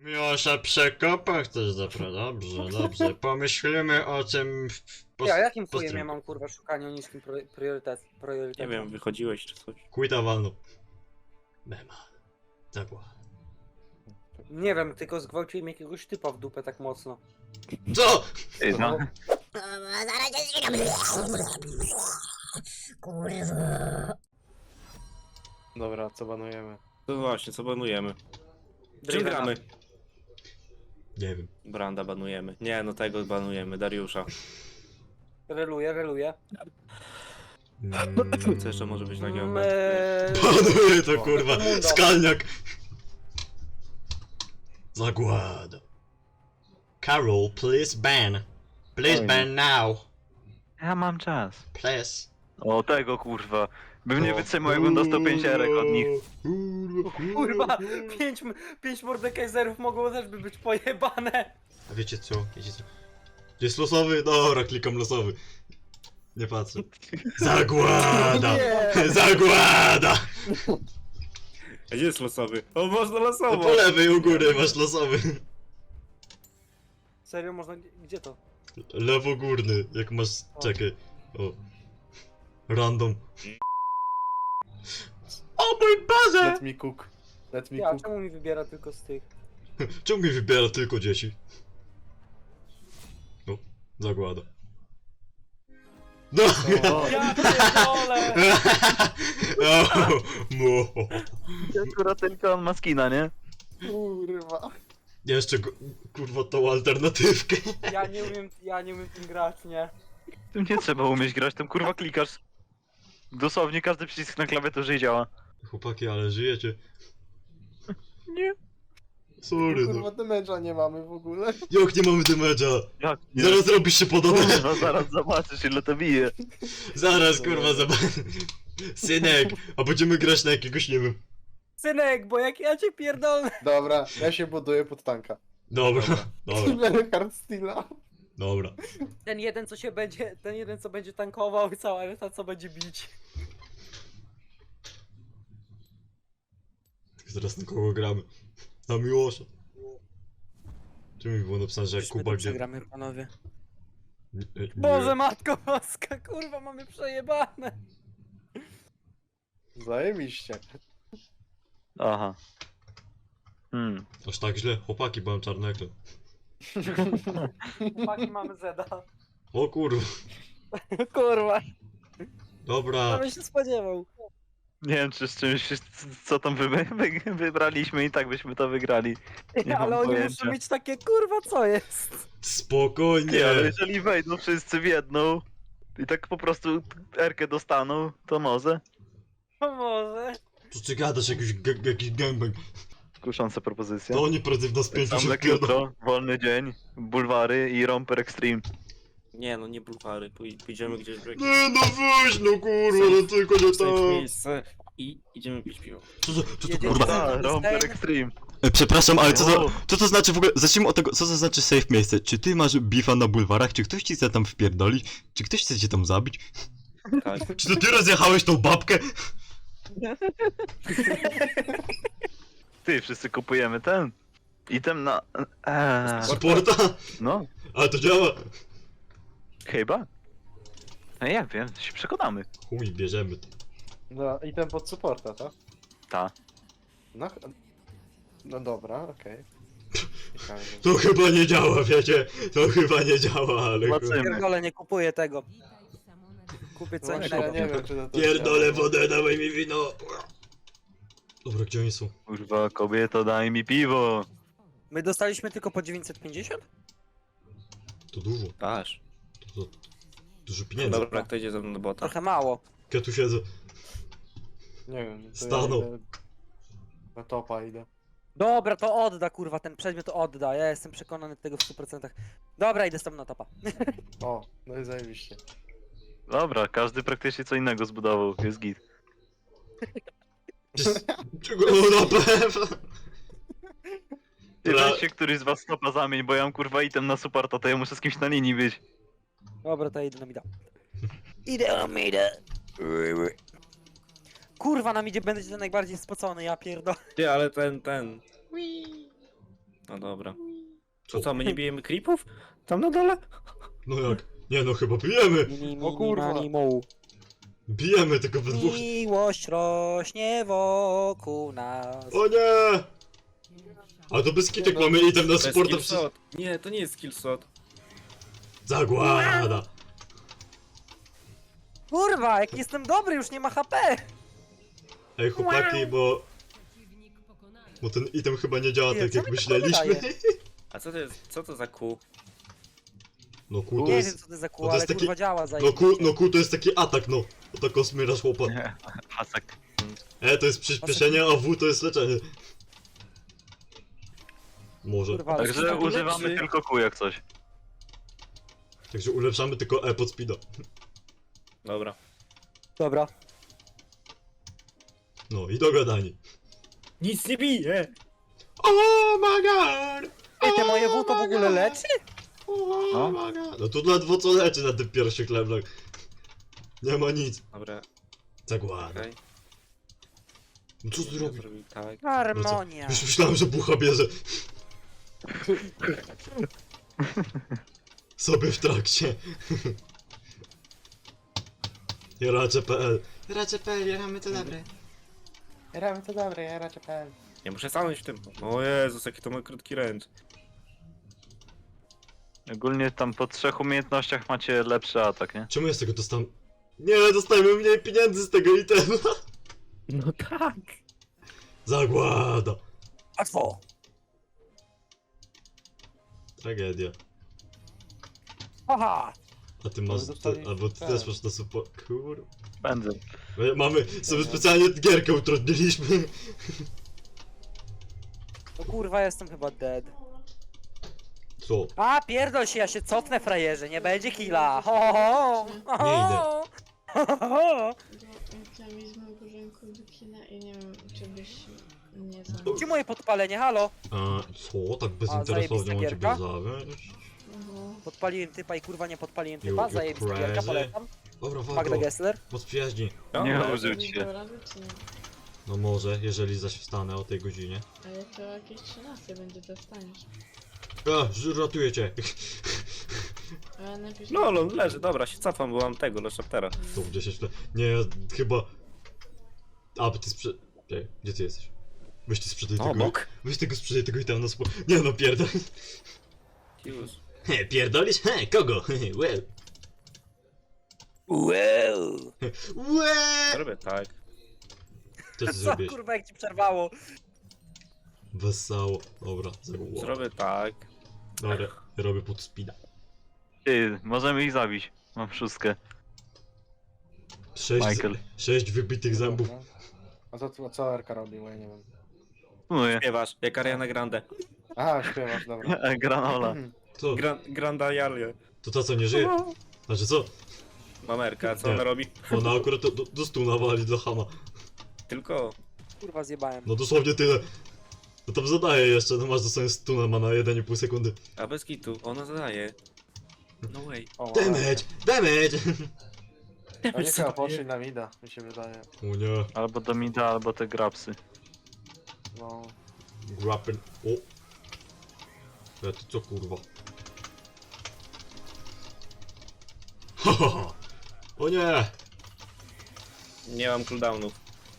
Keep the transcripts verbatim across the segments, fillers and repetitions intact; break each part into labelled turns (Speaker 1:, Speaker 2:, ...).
Speaker 1: Miłosza przekopach też zapra. Dobrze, dobrze. Pomyślimy o tym w, w pos-
Speaker 2: Ja jakim chujem
Speaker 1: postępie.
Speaker 2: ja mam kurwa szukanie o niskim pro, priorytet,
Speaker 3: Nie
Speaker 2: priorytetem?
Speaker 3: wiem, wychodziłeś czy coś.
Speaker 1: Quita walną. Mema. Zagła.
Speaker 2: Nie wiem, tylko zgwałciłem jakiegoś typa w dupę tak mocno.
Speaker 1: Co?
Speaker 4: Ej, no.
Speaker 5: Zaraz cię zginam. Kurwa.
Speaker 6: Dobra, co banujemy?
Speaker 3: To właśnie, co banujemy? Czym
Speaker 2: Drivena.
Speaker 3: gramy?
Speaker 1: Nie wiem.
Speaker 3: Branda banujemy. Nie, no tego banujemy, Dariusza.
Speaker 2: Reluję, reluję.
Speaker 1: Mm.
Speaker 3: Co jeszcze może być na
Speaker 2: Mm,
Speaker 3: giełdę?
Speaker 2: eee,
Speaker 1: Panuje to kurwa.
Speaker 2: Mundo.
Speaker 1: Skalniak. Zagłada. Carol, please ban. Please
Speaker 4: Oj.
Speaker 1: ban now.
Speaker 4: Ja mam czas.
Speaker 1: Please.
Speaker 4: O tego kurwa. Bym nie
Speaker 1: O,
Speaker 4: wytrzymał, jakbym dostał pięć erek od nich.
Speaker 2: kurwa, pięć, m- pięć Mordekaiserów mogło też by być pojebane.
Speaker 1: A wiecie co? Wiecie co? Jest losowy? Dobra, klikam losowy. Nie patrzę. Zagłada! Zagłada!
Speaker 3: A gdzie jest losowy? O, można
Speaker 1: No
Speaker 3: losowo!
Speaker 1: po lewej u góry masz losowy.
Speaker 2: Serio, można... Gdzie to?
Speaker 1: Lewo górny, jak masz... Czekaj. O. Random. O mój Boże!
Speaker 6: Let me cook. Let me
Speaker 2: Ja,
Speaker 6: cook.
Speaker 2: czemu mi wybiera tylko z tych?
Speaker 1: Czemu mi wybiera tylko dzieci? O, zagłada. No!
Speaker 6: O,
Speaker 2: Ja pierdolę!
Speaker 1: O, mo.
Speaker 4: Akurat tylko on ma skina, nie?
Speaker 6: kurwa.
Speaker 1: Jeszcze go, kurwa tą alternatywkę.
Speaker 2: Ja nie umiem, ja nie umiem tym grać, nie?
Speaker 4: Tym nie trzeba umieć grać, tam kurwa klikasz. Dosłownie każdy przycisk na klawiaturze i działa.
Speaker 1: Chłopaki, ale żyjecie.
Speaker 4: Nie.
Speaker 1: Sorry
Speaker 6: Kurwa,
Speaker 1: no.
Speaker 6: damage'a nie mamy w ogóle.
Speaker 1: Jak nie mamy damage'a?
Speaker 4: Jak nie?
Speaker 1: Zaraz robisz się podobne.
Speaker 4: Kurwa, zaraz zobaczysz ile to bije.
Speaker 1: Zaraz kurwa zobacz. Synek, a będziemy grać na jakiegoś, nie wiem.
Speaker 2: Synek, bo jak ja cię pierdolę...
Speaker 6: Dobra, ja się buduję pod tanka.
Speaker 1: Dobra, dobra,
Speaker 6: Killer Hardsteala.
Speaker 1: dobra.
Speaker 2: Ten jeden, co się będzie, ten jeden, co będzie tankował i cała reszta, co będzie bić.
Speaker 1: Zaraz na kogo gramy? Na Miłosza. Czemu mi było napisane, że jak
Speaker 2: Żeśmy
Speaker 1: Kuba
Speaker 2: to
Speaker 1: gdzie...
Speaker 2: przegramy, panowie.
Speaker 1: Nie, nie.
Speaker 2: Boże, matko boska, kurwa, mamy przejebane.
Speaker 6: Zajebiście.
Speaker 4: Aha. Hmm.
Speaker 1: Aż tak źle? Chłopaki, bo mam czarny ekran.
Speaker 2: Chłopaki, mamy Zeda.
Speaker 1: O kurwa.
Speaker 2: Kurwa,
Speaker 1: Dobra.
Speaker 2: kto by się spodziewał.
Speaker 4: Nie wiem czy z czymś, co tam wy, wy, wybraliśmy i tak byśmy to wygrali. Nie
Speaker 2: Ale
Speaker 4: mam
Speaker 2: oni
Speaker 4: pojęcia.
Speaker 2: muszą mieć takie, kurwa, co jest?
Speaker 1: Spokojnie.
Speaker 4: Nie, ale jeżeli wejdą wszyscy w jedną i tak po prostu erkę dostaną, to może.
Speaker 2: No może.
Speaker 1: Co ty gadasz, jakiś, g- jakiś gangbang?
Speaker 4: Kusząca propozycja.
Speaker 1: To oni prędzej w nas pięciu
Speaker 4: Sam
Speaker 1: się
Speaker 4: jak
Speaker 1: wpierdolą.
Speaker 4: jutro, wolny dzień, bulwary i romper extreme.
Speaker 3: Nie, no nie bulwary, pój- pójdziemy gdzieś w jakieś
Speaker 1: Nie no weź no kurwa, no tylko nie
Speaker 3: safe
Speaker 1: tam.
Speaker 3: miejsce i idziemy pić piwo.
Speaker 1: Co to, co to
Speaker 2: Jedziecie
Speaker 1: kurwa?
Speaker 2: za-
Speaker 4: A, romper extreme.
Speaker 1: E, przepraszam, ale co to,
Speaker 4: O.
Speaker 1: co to znaczy w ogóle? Zacznijmy od tego, co to znaczy safe miejsce? Czy ty masz bifa na bulwarach? Czy ktoś ci chce tam wpierdolić? Czy ktoś chce cię tam zabić?
Speaker 3: Tak.
Speaker 1: Czy to ty rozjechałeś tą babkę?
Speaker 4: Ty, wszyscy kupujemy ten. Item na... Eee,
Speaker 1: Supporta?
Speaker 4: no,
Speaker 1: Ale to działa.
Speaker 4: chyba. No ja wiem, się przekonamy.
Speaker 1: Chuj, bierzemy to.
Speaker 6: No i ten pod supporta, tak?
Speaker 4: Ta.
Speaker 6: No, ch- no dobra, okej. Ciekawe.
Speaker 1: To chyba nie działa, wiecie? To chyba nie działa, ale...
Speaker 4: Zobaczymy.
Speaker 2: Pierdolę, nie kupuję tego. Kupię co
Speaker 6: Właśnie, ja
Speaker 2: innego.
Speaker 6: nie wiem, czy to to
Speaker 1: Pierdolę
Speaker 6: działa.
Speaker 1: wodę, dawaj mi wino. Dobra, gdzie oni są?
Speaker 4: Kurwa, kobieto, daj mi piwo.
Speaker 2: My dostaliśmy tylko po dziewięćset pięćdziesiąt?
Speaker 1: To dużo,
Speaker 3: Aż.
Speaker 1: to, to dużo pieniędzy.
Speaker 3: Dobra, kto idzie ze mną do bota?
Speaker 2: Trochę mało.
Speaker 1: Ja tu siedzę.
Speaker 6: Nie wiem, to
Speaker 1: Stanął.
Speaker 6: ja idę... Na topa idę.
Speaker 2: Dobra, to odda, kurwa, ten przedmiot odda. Ja jestem przekonany tego w stu procentach. Dobra, idę z tobą na topa.
Speaker 6: O, no i zajebiście.
Speaker 4: Dobra, każdy praktycznie co innego zbudował, jest git.
Speaker 1: Czego? No na pewno.
Speaker 4: Ty
Speaker 1: Dobra.
Speaker 4: weź się któryś z was stopa zamień, bo ja mam kurwa item na supporta, to ja muszę z kimś na linii być.
Speaker 2: Dobra, to ja idę na mida. Idę na mida. Kurwa, na midzie będę ten najbardziej spocony, ja pierdolę.
Speaker 3: Ty, ale ten, ten... No dobra.
Speaker 1: Co?
Speaker 3: To co, my nie bijemy creepów? Tam na dole?
Speaker 1: No jak? Nie no, chyba bijemy!
Speaker 2: Mini,
Speaker 6: O
Speaker 2: mini,
Speaker 6: kurwa.
Speaker 2: mani, mu.
Speaker 1: Bijemy tylko we dwóch.
Speaker 2: Miłość rośnie wokół nas.
Speaker 1: O nie! A to bez kitek
Speaker 6: Nie no,
Speaker 1: mamy item na
Speaker 3: To jest
Speaker 1: supporta
Speaker 3: skill
Speaker 1: przez...
Speaker 3: shot. Nie, to nie jest skill shot.
Speaker 1: Zagłada!
Speaker 2: Kurwa, jak jestem dobry, już nie ma H P.
Speaker 1: Ej chłopaki, bo... Bo ten item chyba nie działa
Speaker 2: Nie,
Speaker 1: tak
Speaker 2: co
Speaker 1: jak
Speaker 2: mi to
Speaker 1: myśleliśmy.
Speaker 2: podaje?
Speaker 3: A co to jest, co to za Q?
Speaker 1: No ku to
Speaker 2: Nie wiem
Speaker 1: jest...
Speaker 2: co to za
Speaker 1: no
Speaker 2: kół,
Speaker 1: to
Speaker 2: ale
Speaker 1: jest taki-
Speaker 2: kurwa działa
Speaker 1: No
Speaker 2: zajebiście.
Speaker 1: ku, no ku to jest taki atak, no. To tak osmyrasz chłopa.
Speaker 4: Nie, pasek.
Speaker 1: E to jest przyspieszenie, a W to jest leczenie. Może.
Speaker 2: Kurwa, ale
Speaker 4: Także
Speaker 3: taki
Speaker 4: używamy
Speaker 3: lepszy.
Speaker 4: tylko kół jak coś.
Speaker 1: Także ulepszamy tylko E pod speeda.
Speaker 3: Dobra.
Speaker 2: Dobra.
Speaker 1: No i dogadani.
Speaker 3: Nic nie bije!
Speaker 1: Oh my god!
Speaker 2: Ej, te moje W to w ogóle leczy?
Speaker 1: Oh
Speaker 4: No.
Speaker 1: my god! No tu ledwo co leczy na tym pierwszych levelach. Nie ma nic.
Speaker 3: Dobra,
Speaker 1: Zagłada.
Speaker 3: okej.
Speaker 1: No co ty
Speaker 3: Ja
Speaker 1: robisz?
Speaker 3: zrobił tak.
Speaker 2: Harmonia.
Speaker 1: Już myślałem, że bucha bierze. Sobie w trakcie. Jaracze.pl Jaracze.pl, jaramy to dobre.
Speaker 6: Jaramy to dobre, jaracie P L.
Speaker 3: Ja muszę stanąć w tym. O Jezus, jaki to mój krótki ręcz.
Speaker 4: Ogólnie tam po trzech umiejętnościach macie lepszy atak, nie?
Speaker 1: Czemu ja z tego dostałem? Nie, dostajemy mniej pieniędzy z tego itemu.
Speaker 3: No tak.
Speaker 1: Zagłada.
Speaker 2: Łatwo.
Speaker 1: Tragedia.
Speaker 2: Aha.
Speaker 1: A ty masz,
Speaker 6: dostali-
Speaker 1: ty, albo ty
Speaker 6: tak.
Speaker 1: też masz na support. Kur...
Speaker 4: Będę.
Speaker 1: My Mamy sobie specjalnie gierkę utrudniliśmy.
Speaker 2: No kurwa, jestem chyba dead.
Speaker 1: Co?
Speaker 2: A, pierdol się, ja się cofnę, frajerze, nie będzie killa. Ho, ho, ho. Ho,
Speaker 1: Nie idę.
Speaker 2: ho. Ho, ho, ho.
Speaker 7: Reklamizmem porządku do kina i nie wiem, czy byś nie znał.
Speaker 2: Gdzie moje podpalenie, halo?
Speaker 1: A co? Tak
Speaker 2: A,
Speaker 1: bezinteresownie
Speaker 2: zajebista
Speaker 1: mam ciebie
Speaker 2: gierka?
Speaker 1: zawieść?
Speaker 7: Mhm.
Speaker 2: Podpaliłem typa i kurwa nie podpaliłem
Speaker 1: You-
Speaker 2: typa,
Speaker 1: you
Speaker 2: zajebista gierka,
Speaker 1: crazy.
Speaker 2: polecam.
Speaker 1: Dobra,
Speaker 2: Magda
Speaker 1: walko.
Speaker 2: Gessler.
Speaker 1: Moc przyjaźni.
Speaker 4: Nie
Speaker 3: Dobra.
Speaker 4: użyć
Speaker 7: Nie
Speaker 4: się.
Speaker 7: dał rady, czy nie?
Speaker 1: No może, jeżeli zaś wstanę o tej godzinie.
Speaker 7: Ale to jakieś trzynaste będzie, to wstaniesz.
Speaker 1: A, ż- ratuję cię.
Speaker 7: Ale najpierw...
Speaker 3: No, on leży, dobra, się cofam, bo mam tego, Leszaptera.
Speaker 1: To w dziesięć lat. Nie, ja chyba... A, bo ty sprzed... Czekaj, gdzie ty jesteś? Weź ty sprzedaj tego...
Speaker 3: Obok.
Speaker 1: Weź tego sprzedaj tego i tam na spo... Nie no, pierdol.
Speaker 3: Już.
Speaker 1: He, pierdolisz? He, kogo? He, well.
Speaker 2: Wow.
Speaker 1: Łe!
Speaker 3: Robię tak.
Speaker 1: Co ty
Speaker 2: Co
Speaker 1: zrobiłeś?
Speaker 2: kurwa jak ci przerwało?
Speaker 1: Wesoło. Dobra, zagłada.
Speaker 3: Zrobię tak.
Speaker 1: Dobra, ja robię pod speeda.
Speaker 4: Ty, możemy ich zabić. Mam szóstkę.
Speaker 1: Sześć,
Speaker 4: Michael.
Speaker 1: sześć wybitych zębów.
Speaker 6: A co, co Erka robi, bo ja nie wiem.
Speaker 4: Mówię.
Speaker 3: Śpiewasz, jak Ariana Grande.
Speaker 6: Aha, śpiewasz, dobra.
Speaker 4: Granola.
Speaker 1: Co?
Speaker 3: Gran, Granda Jalie.
Speaker 1: To ta co nie żyje? Znaczy co?
Speaker 3: Mamerka, co
Speaker 1: Nie.
Speaker 3: ona robi?
Speaker 1: Ona akurat do, do, do stuna wali dla Hama.
Speaker 3: Tylko...
Speaker 2: Kurwa zjebałem.
Speaker 1: No dosłownie tyle. No tam zadaje jeszcze, no masz dosłownie stuna, ma na jeden i pół sekundy.
Speaker 3: A bez kitu, ona zadaje. No way.
Speaker 6: O,
Speaker 1: Damage! Damage!
Speaker 6: Oni chyba poszli na mida, mi się wydaje.
Speaker 1: O nie,
Speaker 4: Albo do mida, albo te grapsy.
Speaker 6: No.
Speaker 1: grappin. O! Ja ty co kurwa? Ha ha ha! O nie!
Speaker 3: Nie mam cooldownów.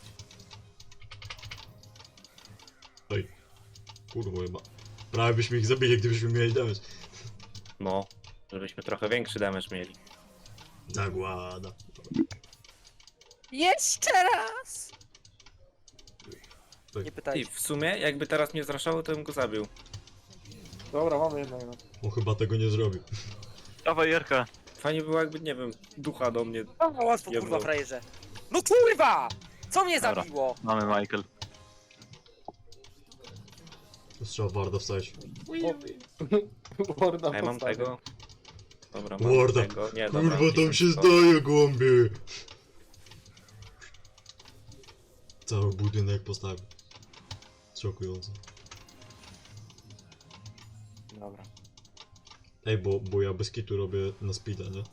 Speaker 1: Oj. Kurwa chyba. Prawie byśmy ich zabili, gdybyśmy mieli damage.
Speaker 3: No. Żebyśmy trochę większy damage mieli.
Speaker 1: Zagłada.
Speaker 2: Jeszcze raz!
Speaker 1: Tak.
Speaker 2: Nie
Speaker 3: Ty,
Speaker 2: pytaj.
Speaker 3: w sumie, jakby teraz mnie zraszało, to bym go zabił.
Speaker 6: Dobra, mamy jednego.
Speaker 1: On chyba tego nie zrobił.
Speaker 4: Dawaj Jerka.
Speaker 3: Fajnie było jakby, nie wiem, ducha do mnie.
Speaker 2: O, łatwo
Speaker 3: Nie
Speaker 2: kurwa
Speaker 3: było.
Speaker 2: frajerze. No kurwa! Co mnie
Speaker 4: Dobra.
Speaker 2: zabiło?
Speaker 4: Mamy Michael.
Speaker 1: Trzeba Warda wstać.
Speaker 6: Warda
Speaker 3: A ja mam
Speaker 6: postawię.
Speaker 3: tego. Dobra, mam
Speaker 1: Warda.
Speaker 3: tego. Nie, dobra,
Speaker 1: Kurwa tam
Speaker 3: dziesięć
Speaker 1: się
Speaker 3: sto.
Speaker 1: zdaje głąbie. Cały budynek postawił. Szokujące.
Speaker 6: Dobra.
Speaker 1: Ej, bo, bo ja bez kitu robię na speeda, nie?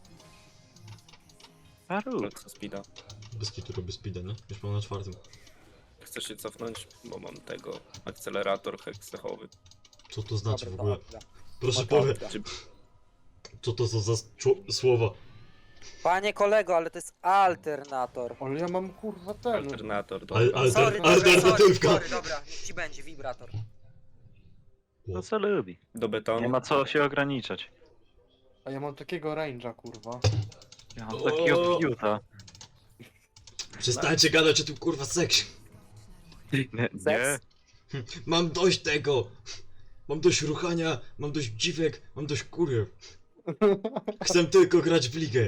Speaker 4: Paru.
Speaker 3: Co speeda.
Speaker 1: Bez kitu robię speeda, nie? Już mam na czwartym.
Speaker 3: Chcesz się cofnąć? Bo mam tego. Akcelerator heksechowy.
Speaker 1: Co to znaczy w
Speaker 2: Dobra,
Speaker 1: ogóle?
Speaker 2: to odda.
Speaker 1: Proszę
Speaker 2: to
Speaker 1: powiedz,
Speaker 2: odda.
Speaker 1: co to za, za czu- słowa?
Speaker 2: Panie kolego, ale to jest alternator.
Speaker 6: Ale ja mam kurwa ten.
Speaker 3: Alternator,
Speaker 1: Ale-
Speaker 3: dobra.
Speaker 1: ale-
Speaker 2: Sorry,
Speaker 1: Alter-
Speaker 2: dobra,
Speaker 1: alternatywka.
Speaker 2: sorry, sorry, dobra, niech ci będzie wibrator.
Speaker 4: No co lubi.
Speaker 3: Do betonu.
Speaker 4: Nie ma co się ograniczać.
Speaker 6: A ja mam takiego range'a kurwa.
Speaker 4: Ja mam takiego
Speaker 1: O!
Speaker 4: fiuta.
Speaker 1: Przestańcie gadać o tym kurwa seksie.
Speaker 4: Nie, nie.
Speaker 2: Seks?
Speaker 1: Mam dość tego! Mam dość ruchania, mam dość dziwek, mam dość kuriew. Chcę tylko grać w ligę.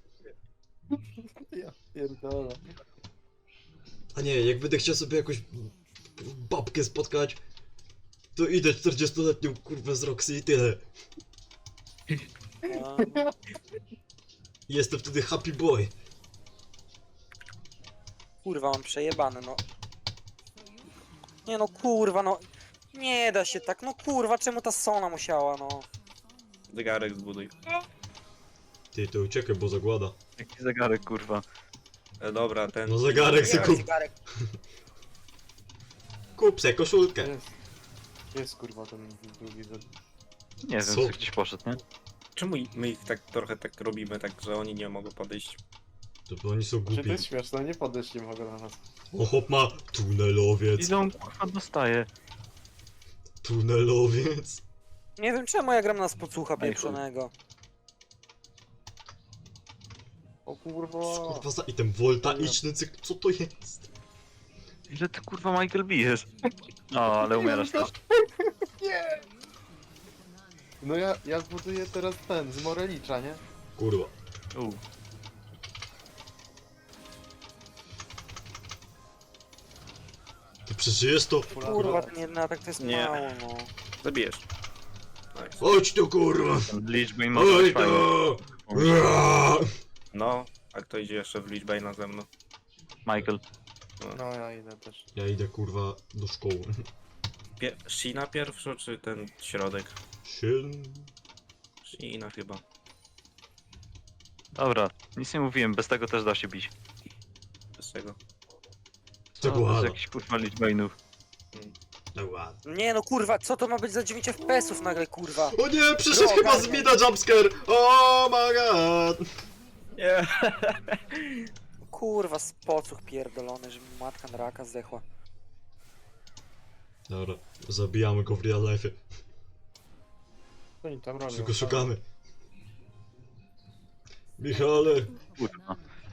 Speaker 6: Ja pierdolę.
Speaker 1: A nie, jak będę chciał sobie jakąś babkę spotkać, to idę czterdziestoletnią kurwę z Roxy i tyle.
Speaker 2: No.
Speaker 1: Jestem wtedy happy boy.
Speaker 2: Kurwa, mam przejebane, no. Nie no, kurwa, no. Nie da się tak, no kurwa, czemu ta Sona musiała, no.
Speaker 3: Zegarek zbuduj.
Speaker 1: Ty, to uciekaj, bo zagłada.
Speaker 4: Jaki zegarek, kurwa.
Speaker 3: E, dobra, ten...
Speaker 1: No zegarek se kup.
Speaker 2: Zegarek.
Speaker 1: Kup se koszulkę.
Speaker 6: Jest. Jest kurwa ten drugi.
Speaker 4: Nie wiem,
Speaker 1: Co?
Speaker 4: co gdzieś poszedł, nie?
Speaker 3: Czemu i- my ich tak trochę tak robimy, tak, że oni nie mogą podejść?
Speaker 1: To bo oni są
Speaker 6: Czy to
Speaker 1: głupi.
Speaker 6: jest śmieszne? Nie podejść nie mogę na nas.
Speaker 1: O, chłop ma tunelowiec.
Speaker 4: Ile on kurwa dostaje?
Speaker 1: Tunelowiec.
Speaker 2: Nie wiem czemu ja gram na spocucha
Speaker 4: chuj.
Speaker 2: pieprzonego.
Speaker 6: O kurwa.
Speaker 1: Kurwa za item voltaiczny cyk, co to jest?
Speaker 4: Ile ty kurwa Michael bijesz? O, ale umierasz też.
Speaker 6: Nie! No ja, ja zbuduję teraz ten, z Morelicza, nie?
Speaker 1: Kurwa.
Speaker 4: U.
Speaker 1: Ty przeżyjesz to?
Speaker 2: Kurwa, ten jeden atak to jest
Speaker 3: Nie.
Speaker 2: mało, no.
Speaker 3: Zabijesz. Nice.
Speaker 1: Chodź tu kurwa!
Speaker 4: Ten liczby może
Speaker 1: Oj
Speaker 4: być fajny.
Speaker 1: to! Ua!
Speaker 3: No, a kto idzie jeszcze w liczbę na ze mną?
Speaker 4: Michael.
Speaker 6: No ja idę też.
Speaker 1: Ja idę kurwa do szkoły.
Speaker 3: Pie Shina pierwszy, czy ten środek?
Speaker 1: Shin.
Speaker 3: Shina chyba.
Speaker 4: Dobra, nic nie mówiłem, bez tego też da się bić.
Speaker 3: Bez czego?
Speaker 1: To
Speaker 4: To jest
Speaker 1: ładno.
Speaker 4: jakiś kurwa liczbejnów.
Speaker 1: No ładno.
Speaker 2: Nie no, kurwa, co to ma być za dziewięć F P S ów nagle, kurwa?
Speaker 1: O nie, przyszedł
Speaker 2: Droga,
Speaker 1: chyba z
Speaker 2: nie.
Speaker 1: mida jumpscare! Oh my god!
Speaker 3: Nie.
Speaker 2: Kurwa, spocuch pierdolony, że mi matka na raka zdechła.
Speaker 1: Dobra, zabijamy go w real life.
Speaker 6: Co oni tam robią?
Speaker 1: Tylko szukamy. Michale!
Speaker 4: Kurwa.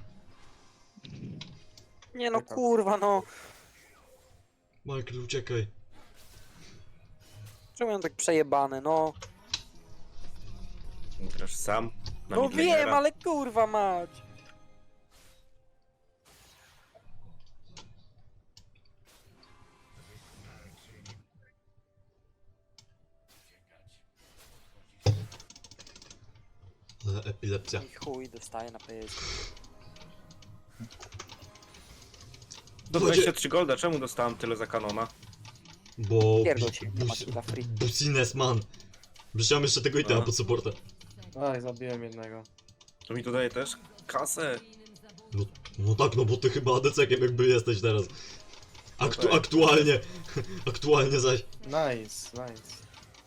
Speaker 2: Nie no, kurwa, no.
Speaker 1: Michael, uciekaj.
Speaker 2: Czemu on tak przejebany, no?
Speaker 3: Grasz sam? Na
Speaker 2: No
Speaker 3: midlanera.
Speaker 2: wiem, ale kurwa mać.
Speaker 1: Ale epilepsja.
Speaker 2: I chuj, dostaje na pysk.
Speaker 3: Do dwudziestu trzech golda, czemu dostałem tyle za kanona?
Speaker 1: Bo...
Speaker 2: Pierdol się, nie ma
Speaker 1: bus-
Speaker 2: dla free.
Speaker 1: Busines man. Wrzuciłem jeszcze tego itema
Speaker 3: A.
Speaker 1: pod supportem.
Speaker 6: Aj, zabiłem jednego.
Speaker 3: To mi tu daje też kasę.
Speaker 1: No, no tak, no bo ty chyba A D C-kiem jakby jesteś teraz. Aktu
Speaker 3: No tak.
Speaker 1: aktualnie. Aktualnie zaś.
Speaker 6: Nice, nice.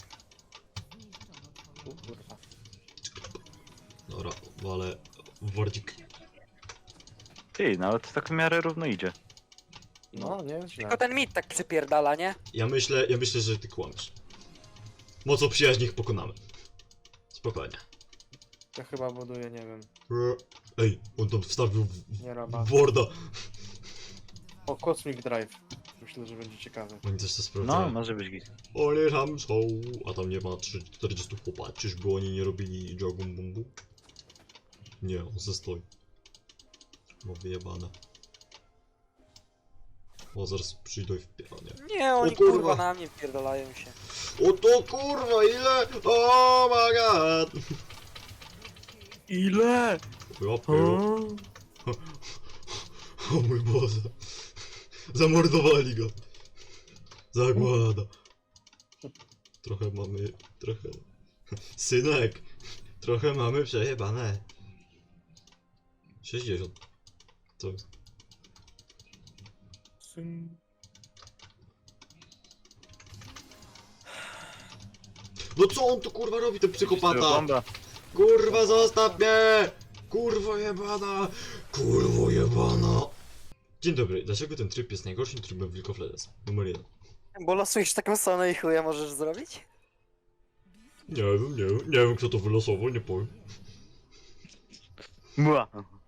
Speaker 6: O kurwa.
Speaker 1: Dobra, ale wordzik.
Speaker 4: Ty, nawet tak w miarę równo idzie.
Speaker 6: No, nie źle.
Speaker 2: Tylko ten mit tak przypierdala, nie?
Speaker 1: Ja myślę, ja myślę, że ty kłamiesz. Mocą przyjaźni ich pokonamy. Spokojnie.
Speaker 6: Ja chyba buduję, nie wiem.
Speaker 1: Ej, on tam wstawił w,
Speaker 6: Nie roba.
Speaker 1: w Worda.
Speaker 6: O, Cosmic Drive. Myślę, że będzie ciekawe.
Speaker 1: Oni też to
Speaker 4: No,
Speaker 1: sprawdzają.
Speaker 4: może być git.
Speaker 1: Oni tam są, a tam nie ma trzy- czterdziestu chłopa. Czyżby oni nie robili jogum bumbu? Nie, on ze stoi. Bo wyjebane. O, zaraz przyjdą i wpiera, nie?
Speaker 2: Nie, oni
Speaker 1: kurwa.
Speaker 2: kurwa na mnie wpierdalają się.
Speaker 1: O to kurwa, ile? Oh my god!
Speaker 4: Ile?
Speaker 1: Łapy. O mój Boże. Zamordowali go. Zagłada. Trochę mamy... trochę... Synek. Trochę mamy przejebane. sześćdziesiąt. Co jest? No co on tu kurwa robi, ten psychopata?
Speaker 4: Bomba.
Speaker 1: Kurwa, zostaw mnie! Kurwo jebana! Kurwo jebana! Dzień dobry, dlaczego ten tryb jest najgorszym trybem w League of Legends? Numer jeden.
Speaker 2: Bo losujesz taką sonę i chuja możesz zrobić?
Speaker 1: Nie wiem, nie wiem, nie wiem kto to wylosował, nie powiem.
Speaker 4: Mła.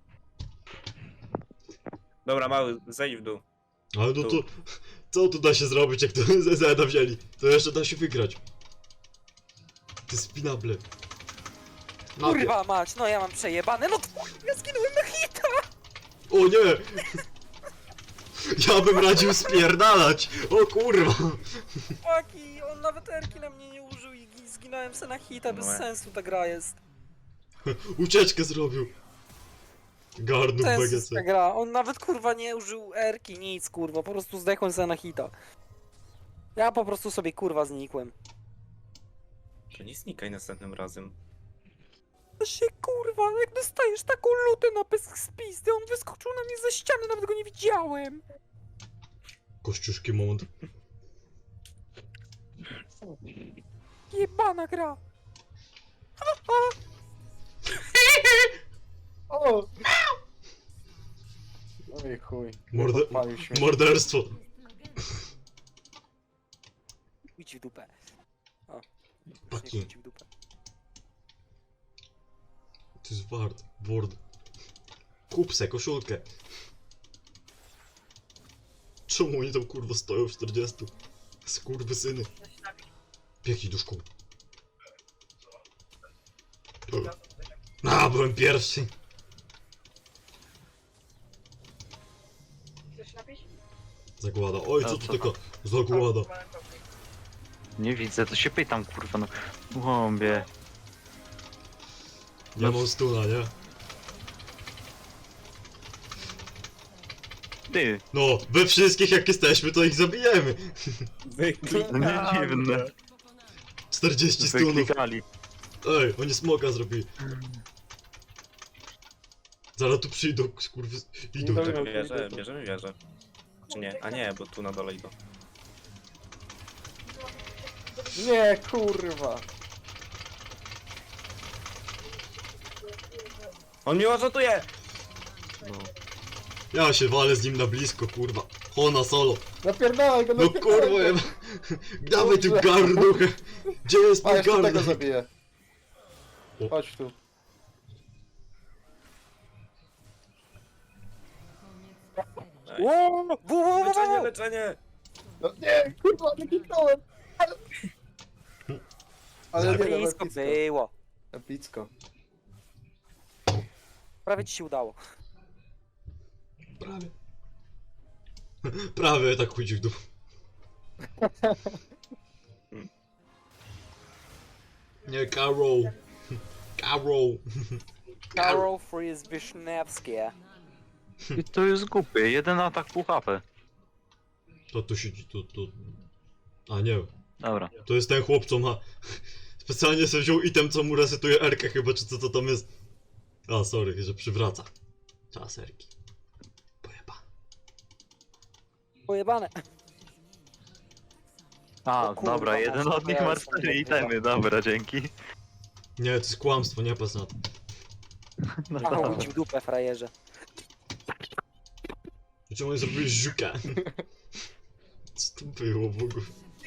Speaker 3: Dobra, mały, zejdź w dół.
Speaker 1: Ale no to... Co tu da się zrobić, jak to z Zeda wzięli? To jeszcze da się wygrać. Ty spinable. Napie-
Speaker 2: Kurwa mać, no ja mam przejebane, no kurwa, ja zginąłem na hita!
Speaker 1: O nie! Ja bym radził spierdalać! O kurwa!
Speaker 2: Paki, on nawet erki na mnie nie użył i gi- zginąłem se na hita, bez
Speaker 3: No.
Speaker 2: sensu ta gra jest.
Speaker 1: Ucieczkę zrobił! Garnów
Speaker 2: Sensu
Speaker 1: B
Speaker 2: jest
Speaker 1: G C.
Speaker 2: ta gra, on nawet kurwa nie użył erki, nic kurwa, po prostu zdechłem se na hita. Ja po prostu sobie kurwa znikłem.
Speaker 3: To nie znikaj następnym razem.
Speaker 2: To się kurwa, jak dostajesz taką lutę na pysk z pizdy, on wyskoczył na mnie ze ściany, nawet go nie widziałem.
Speaker 1: Kościuszki moment.
Speaker 2: Jebana gra.
Speaker 6: O! Oj chuj.
Speaker 1: Morde...
Speaker 6: Podpalił śmiech.
Speaker 1: Morderstwo.
Speaker 2: Idź w dupę. O.
Speaker 1: Paki.
Speaker 2: Idź w dupę.
Speaker 1: To jest wart. Word. Kup se koszulkę. Czemu oni tam kurwa stoją w czterdziestu? Skurwysyny. Biegnij do szkoły. A, byłem pierwszy. Zagłada. Oj, co tu taka zagłada?
Speaker 4: Nie widzę, to się pytam, kurwa, no. Głąbie.
Speaker 1: Ja mam stuna, nie?
Speaker 4: Ty,
Speaker 1: No, we wszystkich jak jesteśmy, to ich zabijemy.
Speaker 3: Wyklik.
Speaker 4: no nie dziwne.
Speaker 1: czterdzieści stunów.
Speaker 4: Wyklikali.
Speaker 1: Ej, oni smoka zrobili. Zaraz tu przyjdą, skurwy... Idą.
Speaker 6: Dobra.
Speaker 3: Tak, wierzę, bierzemy wieżę. Czy nie? A nie, bo tu na dole idą.
Speaker 6: Nie, kurwa.
Speaker 3: On mnie orzutuje!
Speaker 1: No. Ja się walę z nim na blisko, kurwa. Hona solo.
Speaker 6: Napierdalaj go,
Speaker 1: No
Speaker 6: napierdalaj
Speaker 1: kurwa,
Speaker 6: go.
Speaker 1: jeba. Dawaj tu garnuchę. Gdzie jest
Speaker 6: A,
Speaker 1: mój
Speaker 6: jeszcze tego
Speaker 1: garnuch?
Speaker 6: zabiję.
Speaker 1: O.
Speaker 6: Chodź tu.
Speaker 3: Ej.
Speaker 2: Ło, wo, wo, wo,
Speaker 3: Leczenie,
Speaker 2: wo.
Speaker 3: leczenie!
Speaker 6: No nie, kurwa, nie kliknąłem. Ale nie, no,
Speaker 2: Blisko
Speaker 6: blisko.
Speaker 2: było.
Speaker 6: Epicko.
Speaker 2: Prawie ci się udało.
Speaker 1: Prawie. Prawie tak chodzi w dół. Nie, Carol. Carol.
Speaker 2: Karol Fries Wisniewskie.
Speaker 4: I to jest głupie, jeden atak pół H P.
Speaker 1: To tu siedzi, to, to... A nie,
Speaker 4: Dobra.
Speaker 1: to jest ten chłop, co ma... Specjalnie sobie wziął item, co mu resetuje erkę chyba, czy co to tam jest. A, sorry, że przywraca. Czas erki. Pojeba.
Speaker 2: Pojebane.
Speaker 4: A,
Speaker 2: O kurwa,
Speaker 4: dobra, jeden
Speaker 2: może
Speaker 4: od nich
Speaker 2: ja
Speaker 4: ma
Speaker 2: jestem
Speaker 4: cztery
Speaker 2: dobry.
Speaker 4: itemy, dobra, dzięki.
Speaker 1: Nie, to jest kłamstwo, nie patrz na to.
Speaker 4: No
Speaker 2: Aha,
Speaker 4: dobra.
Speaker 2: idź w dupę, frajerze.
Speaker 1: Czemu oni zrobili żuka? Co to było w ogóle?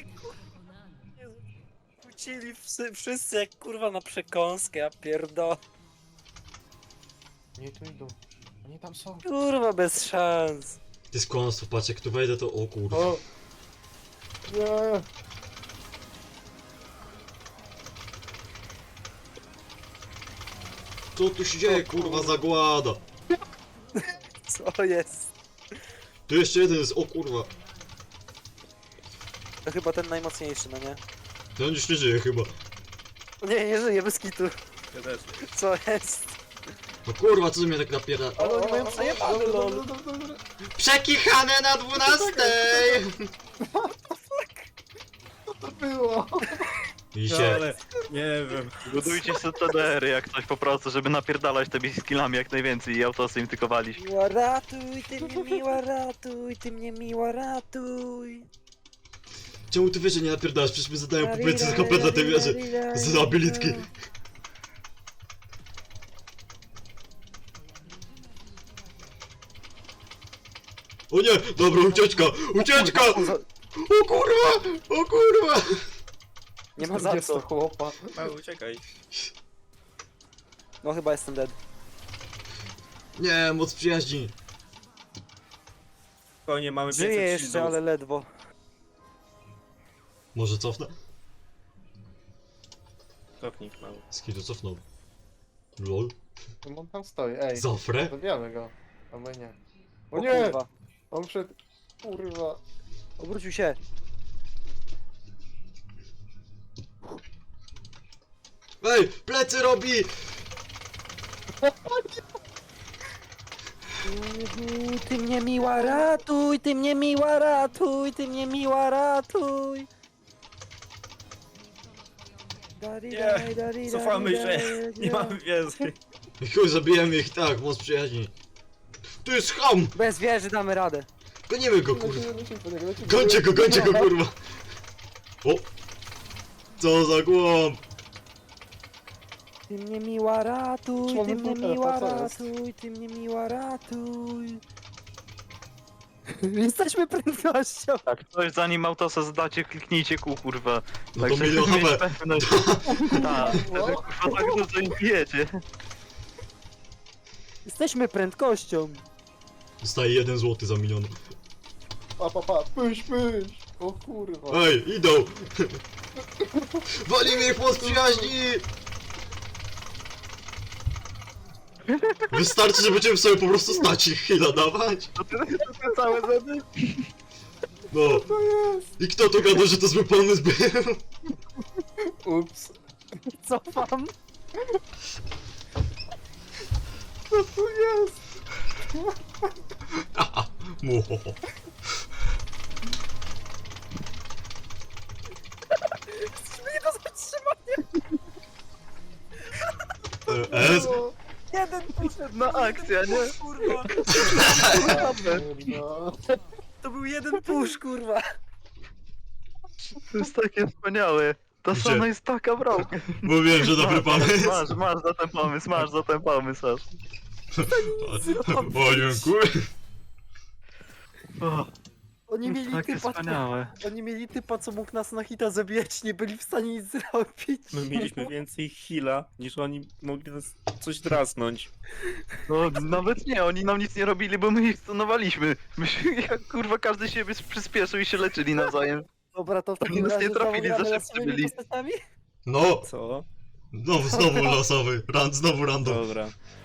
Speaker 2: Kłócili wszyscy, wszyscy jak kurwa na przekąskę, ja pierdolę.
Speaker 6: Nie, tu idą. Oni tam są.
Speaker 2: Kurwa, bez szans.
Speaker 1: To jest kłamstwo, patrz, jak tu wejdę, to o kurwa.
Speaker 6: O! Nie!
Speaker 1: Co tu się dzieje, kurwa, zagłada?
Speaker 2: Co jest?
Speaker 1: Tu jeszcze jeden jest, o kurwa.
Speaker 2: To chyba ten najmocniejszy, no nie?
Speaker 1: Ten już nie żyje chyba.
Speaker 2: Nie, nie żyje, bez kitu.
Speaker 3: Ja też.
Speaker 2: Co jest?
Speaker 1: No kurwa, co mnie tak napiera?
Speaker 2: Ale oni mają przejebane,
Speaker 6: Dobra,
Speaker 2: lol.
Speaker 6: dobra, dobra, dobra.
Speaker 1: Przekichane na dwunastej!
Speaker 6: Co to było?
Speaker 1: I
Speaker 3: No,
Speaker 1: się.
Speaker 3: ale nie wiem.
Speaker 4: Budujcie sobie T D R-y jak coś po prostu, żeby napierdalać tymi skillami jak najwięcej i autosy im tykowali.
Speaker 2: Miła ratuj, ty mnie miła ratuj, ty mnie miła ratuj.
Speaker 1: Czemu ty wieże nie napierdalasz? Przecież my zadają po więcej z H P dla tej wieży. Z abilitki. O nie! Dobra, ucieczka! Ucieczka! O kurwa! O kurwa!
Speaker 2: Nie ma za co.
Speaker 6: chłopa.
Speaker 3: Mały, uciekaj.
Speaker 2: No chyba jestem dead.
Speaker 1: Nie, moc przyjaźni.
Speaker 3: Spokojnie, mamy
Speaker 2: Żyję
Speaker 3: pięćset
Speaker 2: jeszcze,
Speaker 3: shieldów.
Speaker 2: ale ledwo.
Speaker 1: Może cofnę?
Speaker 3: Cofnij, mały.
Speaker 1: Skidu cofnął. Lol.
Speaker 6: On tam stoi, ej.
Speaker 1: Zafrę?
Speaker 6: Zabijamy go. A my nie. O
Speaker 2: O
Speaker 6: nie!
Speaker 2: kurwa.
Speaker 6: On przed... Kurwa.
Speaker 2: Obrócił się.
Speaker 1: Ej! Plecy robi!
Speaker 2: Ty mnie miła ratuj, ty mnie miła ratuj, ty mnie miła ratuj. Dari,
Speaker 3: Nie,
Speaker 2: daj, dari,
Speaker 3: Cofamy
Speaker 2: dari,
Speaker 3: się,
Speaker 2: daj,
Speaker 3: nie mamy więcej.
Speaker 1: Chuj, zabijemy ich tak, moc przyjaźni. Tu jest ham!
Speaker 2: Bez wieży damy radę.
Speaker 1: Gonimy go, kurwa.
Speaker 6: Lecimy, lecimy po niego, lecimy.
Speaker 1: Gońcie go, gońcie go, kurwa! O! Co za głąb!
Speaker 2: Ty mnie miła ratuj, ty
Speaker 6: Człowiek
Speaker 2: mnie
Speaker 6: butelka,
Speaker 2: miła
Speaker 6: co jest?
Speaker 2: ratuj, ty mnie miła ratuj. Jesteśmy prędkością.
Speaker 4: Tak, coś zanim autosa zdacie, kliknijcie kół, kurwa.
Speaker 1: No
Speaker 4: Tak,
Speaker 1: to
Speaker 4: żeby
Speaker 1: milion
Speaker 4: mieć
Speaker 1: H P.
Speaker 4: pewność. Tak, wtedy kurwa tak dużo im bijecie.
Speaker 2: Jesteśmy prędkością.
Speaker 1: Dostaje jeden złoty za milion.
Speaker 6: Pa, pa, pa, pyś, pyś. O kurwa.
Speaker 1: Ej, idą! Walimy ich moc przyjaźni! Wystarczy, że będziemy sobie po prostu stać ich chwila dawać.
Speaker 4: To ty, to ty całe zedy?
Speaker 1: No. I kto to gada, że to zły pomysł był?
Speaker 6: Ups.
Speaker 2: Cofam.
Speaker 6: Co tu jest?
Speaker 1: Muhoho.
Speaker 2: Nie do zatrzymania.
Speaker 1: E, S?
Speaker 2: Jeden poszedł.
Speaker 4: No akcja, nie?
Speaker 2: Kurwa.
Speaker 6: No.
Speaker 2: To był jeden push, kurwa.
Speaker 4: To jest takie wspaniałe. Ta
Speaker 1: Gdzie?
Speaker 4: Sona jest taka bramka.
Speaker 1: Mówiłem, że dobry pomysł.
Speaker 4: Masz, masz za ten pomysł, masz za ten pomysł, aż.
Speaker 1: O, dziękuję.
Speaker 4: O,
Speaker 2: Oni mieli
Speaker 4: takie
Speaker 2: typa,
Speaker 4: wspaniałe.
Speaker 2: oni mieli typa, co mógł nas na hita zabijać, nie byli w stanie nic zrobić.
Speaker 3: My mieliśmy więcej heala, niż oni mogli nas coś drasnąć.
Speaker 4: No nawet nie, oni nam nic nie robili, bo my ich stunowaliśmy. Myśmy jak kurwa każdy siebie przyspieszył i się leczyli nawzajem.
Speaker 2: Dobra, to w takim
Speaker 4: Nas nie
Speaker 2: razie
Speaker 4: trafili,
Speaker 2: znowu gramy
Speaker 4: za
Speaker 2: losowymi
Speaker 4: szybcy byli.
Speaker 2: postaciami?
Speaker 1: No,
Speaker 3: Co?
Speaker 1: znowu, znowu losowy. Ran, znowu random.
Speaker 3: Dobra.